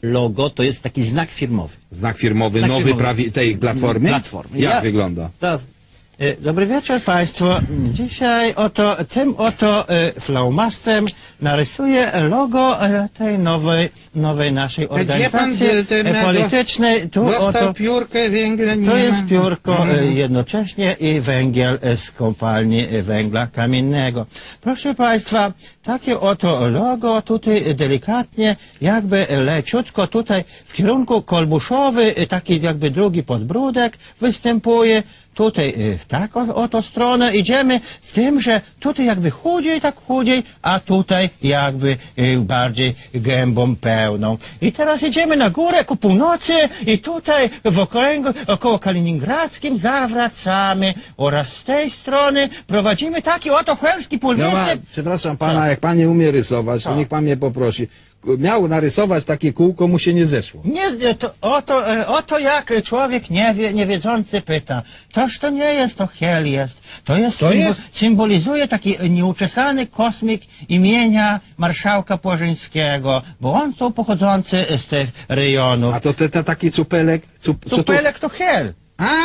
logo to jest taki znak firmowy. Znak firmowy, Znak nowy firmowy. tej platformy? Platformy. Jak wygląda? Dobry wieczór Państwu. Dzisiaj tym flaumastrem narysuję logo tej nowej naszej organizacji politycznej. Dostał piórkę, węgla nie To ma. jest piórko jednocześnie i węgiel z kopalni węgla kamiennego. Proszę Państwa, takie oto logo tutaj delikatnie, jakby leciutko tutaj w kierunku kolbuszowy, taki jakby drugi podbródek występuje. Tutaj w taką oto stronę idziemy z tym, że tutaj jakby chudziej, a tutaj jakby bardziej gębą pełną. I teraz idziemy na górę ku północy i tutaj w okręgu około kaliningradzkim zawracamy oraz z tej strony prowadzimy taki oto chłelski półwysep. Przepraszam pana, jak pan nie umie rysować, to niech pan mnie poprosi. Miał narysować takie kółko, mu się nie zeszło. Nie, oto jak człowiek niewiedzący pyta. Toż to nie jest, to hel jest. Symbolizuje taki nieuczesany kosmik imienia marszałka Płażyńskiego, bo on to pochodzący z tych rejonów. A to taki cupelek? Cupelek to hel.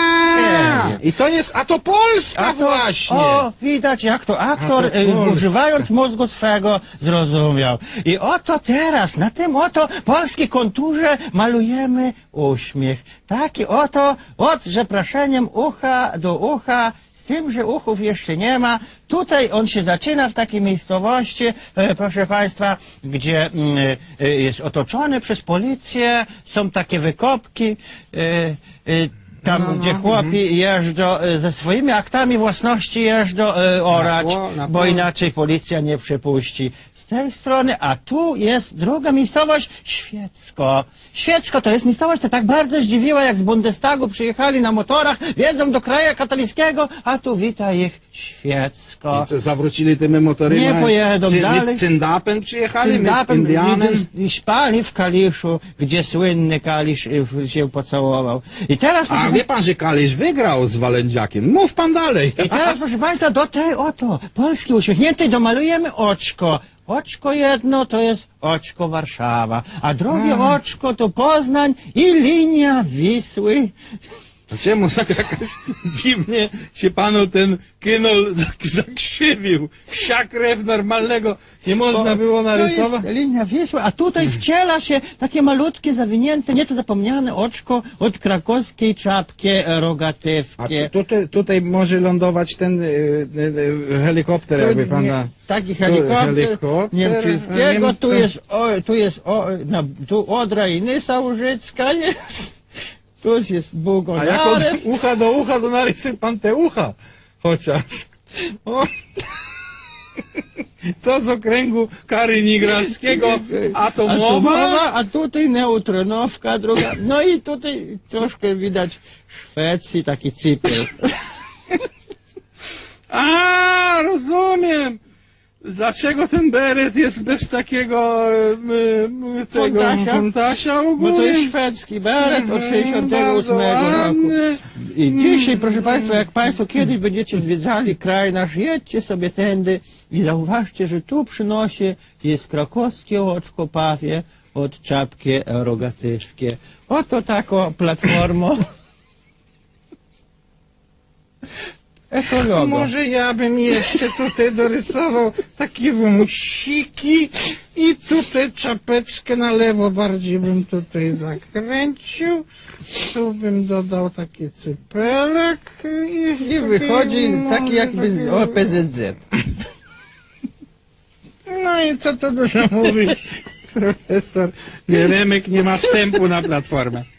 I to jest, a to Polska właśnie! O, widać jak to aktor, używając mózgu swego, zrozumiał. I oto teraz, na tym oto polskiej konturze malujemy uśmiech. Taki oto, od przepraszeniem ucha do ucha, z tym, że uchów jeszcze nie ma. Tutaj on się zaczyna w takiej miejscowości, proszę Państwa, gdzie jest otoczony przez policję, są takie wykopki, tam, gdzie chłopi jeżdżą ze swoimi aktami własności jeżdżą orać, bo inaczej policja nie przepuści. Z tej strony, a tu jest druga miejscowość, Świecko. Świecko to jest miejscowość, to tak bardzo zdziwiła, jak z Bundestagu przyjechali na motorach, wiedzą do kraju katolickiego, a tu wita ich Świecko. I co, zawrócili tymi motorymi? Nie pojedą dalej. Cyndapem przyjechali? Cyndapem i spali w Kaliszu, gdzie słynny Kalisz się pocałował. I teraz, A wie pan, że Kalisz wygrał z Walędziakiem? Mów pan dalej. I teraz, proszę Państwa, do tej oto Polski uśmiechniętej domalujemy oczko. Oczko jedno to jest oczko Warszawa, a drugie oczko to Poznań i linia Wisły. A czemu tak jakoś dziwnie się panu ten kynol zakrzywił? Wsia krew normalnego nie można było narysować? To jest linia Wisły, a tutaj wciela się takie malutkie, zawinięte, nieco zapomniane oczko od krakowskiej czapki rogatywki. A tutaj może lądować ten helikopter, jakby pana... Taki helikopter niemczyckiego, tu Odra i Nysa Łużycka jest. Tu jest Bugonarew. A jak od ucha do ucha, to narysuj pan te ucha. Chociaż. To z okręgu kaliningradzkiego atomowa. A tutaj neutronowka druga. No i tutaj troszkę widać Szwecji, taki cypel. A, rozumiem. Dlaczego ten beret jest bez takiego fontasia ogólnie? Bo to jest szwedzki beret od 68 roku. I dzisiaj, proszę Państwa, jak Państwo kiedyś będziecie zwiedzali kraj nasz, jedźcie sobie tędy i zauważcie, że tu przy nosie jest krakowskie oczko pawie od czapki rogatywki. Oto taką platformą. Ekologo. Może ja bym jeszcze tutaj dorysował takie wąsiki i tutaj czapeczkę na lewo bardziej bym tutaj zakręcił. Tu bym dodał taki cypelek i wychodzi taki jakby z OPZZ. No i co to dużo mówić? Profesor Jeremek nie ma wstępu na platformę.